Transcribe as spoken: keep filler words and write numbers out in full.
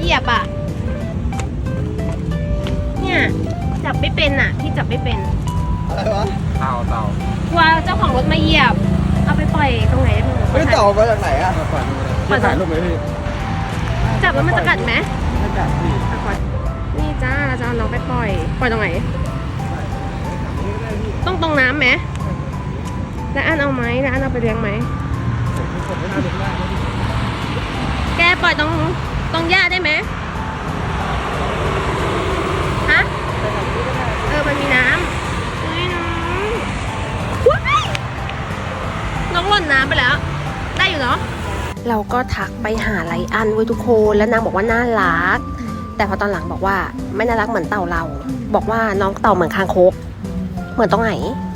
เหยียบอ่ะเนี่ยจับไม่เป็นอ่ะพี่จับไม่เป็นอะไรวะเต่าเต่ากลัวเจ้าของรถมาเหยียบเอาไปปล่อยตรงไหนได้บ้างเฮ้ยเต่ามาจากไหนอะปล่อยมือเลยพี่ถ่ายรูปไหมพี่จับแล้วมันจะกัดไหมไม่กัดพี่อ่ะปล่อยนี่จ้าเราจะเอาน้องไปปล่อยปล่อยตรงไหนต้องตรงน้ำไหมแล้วอันเอาไหมแล้วอันเอาไปเลี้ยงไหมแกปล่อยตรงตรงหญ้าได้ไหมฮะเออมันมีน้ำเฮ้ยน้องว้ายน้องหล่นน้ำไปแล้วได้อยู่เนาะเราก็ทักไปหาไลอันไว้ทุกคนแล้วนางบอกว่าน่ารักแต่พอตอนหลังบอกว่าไม่น่ารักเหมือนเต่าเราบอกว่าน้องเต่าเหมือนคางคกเหมือนตรงไหน